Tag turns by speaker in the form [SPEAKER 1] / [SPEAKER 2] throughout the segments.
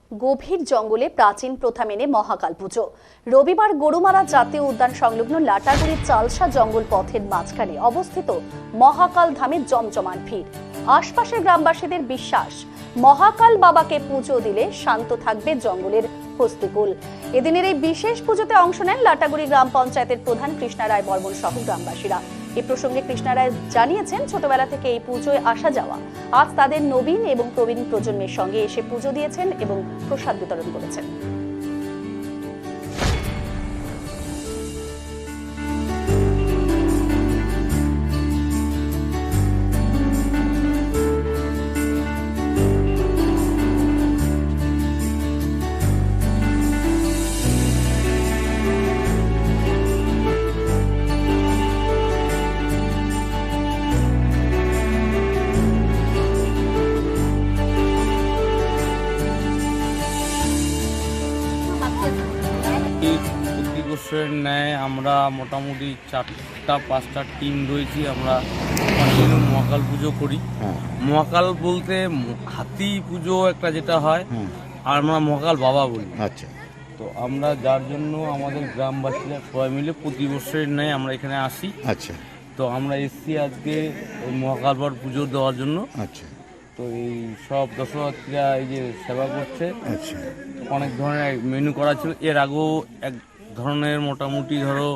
[SPEAKER 1] গভীর জঙ্গলে প্রাচীন প্রথা মেনে মহাকাল পুজো। রবিবার গরুমারা জাতীয় উদ্যান সংলগ্ন লাটাগুড়ির চালসা জঙ্গল পথের মাঝখানে অবস্থিত মহাকাল ধামে জমজমাট ভিড়। আশপাশের গ্রামবাসীদের বিশ্বাস, মহাকাল বাবাকে পুজো দিলে শান্ত থাকবে জঙ্গলের হস্তিকুল। এদিনের এই বিশেষ পুজোতে অংশ নেন লাটাগুড়ি গ্রাম পঞ্চায়েতের প্রধান কৃষ্ণা রায় বর্মন সহ গ্রামবাসীরা। এই প্রসঙ্গে কৃষ্ণা রায় জানিয়েছেন, ছোটবেলা থেকে এই পুজোয় আসা যাওয়া। আজ তাদের নবীন এবং প্রবীণ প্রজন্মের সঙ্গে এসে পুজো দিয়েছেন এবং প্রসাদ বিতরণ করেছেন।
[SPEAKER 2] প্রতি বছরের ন্যায় আমরা মোটামুটি 4-5টা টিম রয়েছি। আমরা কন্টিনিউ মহাকাল পুজো করি। মহাকাল বলতে হাতি পুজো একটা যেটা হয়, আর আমরা মহাকাল বাবা বলি।
[SPEAKER 3] আচ্ছা,
[SPEAKER 2] তো আমরা যার জন্য আমাদের গ্রামবাসীরা সবাই মিলে প্রতি বছরের ন্যায় আমরা এখানে আসি।
[SPEAKER 3] আচ্ছা,
[SPEAKER 2] তো আমরা এসছি আজকে ওই মহাকাল বাবার পুজো দেওয়ার জন্য।
[SPEAKER 3] আচ্ছা,
[SPEAKER 2] তো এই সব দর্শনার্থীরা এই যে সেবা করছে,
[SPEAKER 3] আচ্ছা,
[SPEAKER 2] অনেক ধরনের মেনু করা ছিল। এর আগেও এক ধরনের মোটামুটি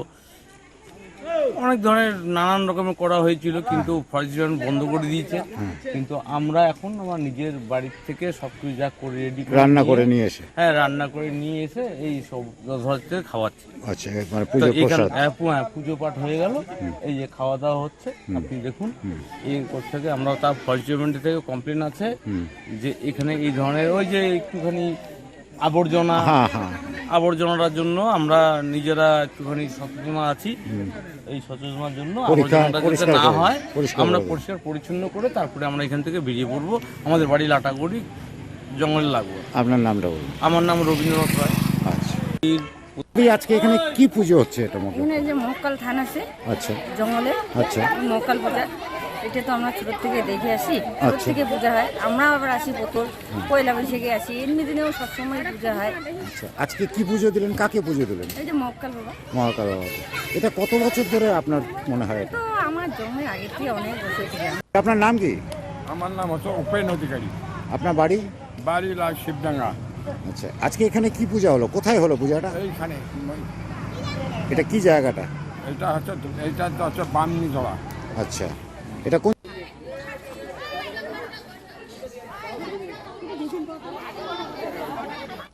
[SPEAKER 2] অনেক ধরনের নানান রকমের করা হয়েছিল, কিন্তু ফরেস্ট ডিপার্টমেন্ট বন্ধ করে দিয়েছে। কিন্তু আমরা এখন আমার নিজের বাড়ির থেকে সবকিছু যা করে রেডি
[SPEAKER 3] রান্না করে নিয়ে এসে,
[SPEAKER 2] হ্যাঁ রান্না করে নিয়ে এসে এই সব দর্শনার্থীদের খাওয়াচ্ছি।
[SPEAKER 3] আচ্ছা, মানে পুজো প্রসাদ,
[SPEAKER 2] পুজো পাঠ হয়ে গেল, এই যে খাওয়া দাওয়া হচ্ছে আপনি দেখুন। এই থেকে আমরা তার ফরেস্ট ডিপার্টমেন্ট থেকে কমপ্লেন আছে যে এখানে এই ধরনের ওই যে একটুখানি আবর্জনার জন্য আমরা নিজেরা একটুখানি সচেতন আছি। এই সচেতনার জন্য আবর্জনাটা যাতে না হয় আমরা পরিষ্কার পরিচ্ছন্ন করে তারপরে আমরা এখান থেকে বেরিয়ে পড়বো। আমাদের বাড়ি লাটাগুড়ি জঙ্গলে লাগবো।
[SPEAKER 3] আপনার নামটা বলুন।
[SPEAKER 2] আমার নাম রবীন্দ্রনাথ রায়।
[SPEAKER 3] আচ্ছা, আজকে এখানে কি পুজো হচ্ছে? এটা
[SPEAKER 4] এখানে যে মহাকাল থান আছে,
[SPEAKER 3] আচ্ছা,
[SPEAKER 4] জঙ্গলে।
[SPEAKER 3] আচ্ছা,
[SPEAKER 4] মহাকাল পূজা এটা তো আমরা ছোট থেকে দেখে আসি, ছোট থেকে পূজা হয়। আমরা আবার আসি প্রথম পয়লা বৈশাখে আসি, এমনি দিনেও সবসময় পূজা হয়।
[SPEAKER 3] আচ্ছা, আজকে কি পুজো দিলেন? কাকে পুজো দিলেন?
[SPEAKER 4] এই যে মহাকাল বাবা।
[SPEAKER 3] মহাকাল বাবা। এটা কত বছর ধরে আপনার মনে হয়?
[SPEAKER 4] তো আমার জন্মের আগে থেকে অনেক বছর থেকে।
[SPEAKER 3] আপনার নাম কি?
[SPEAKER 5] আমার নাম হচ্ছে উপেন অধিকারী।
[SPEAKER 3] আপনার বাড়ি?
[SPEAKER 5] বাড়ি শিবডাঙ্গা।
[SPEAKER 3] আচ্ছা, আজকে এখানে কি পূজা হলো? কোথায় হলো পূজাটা?
[SPEAKER 5] এইখানে
[SPEAKER 3] এটা কি জায়গাটা?
[SPEAKER 5] এটা হচ্ছে বামনি ধরা।
[SPEAKER 3] আচ্ছা, এটা কোন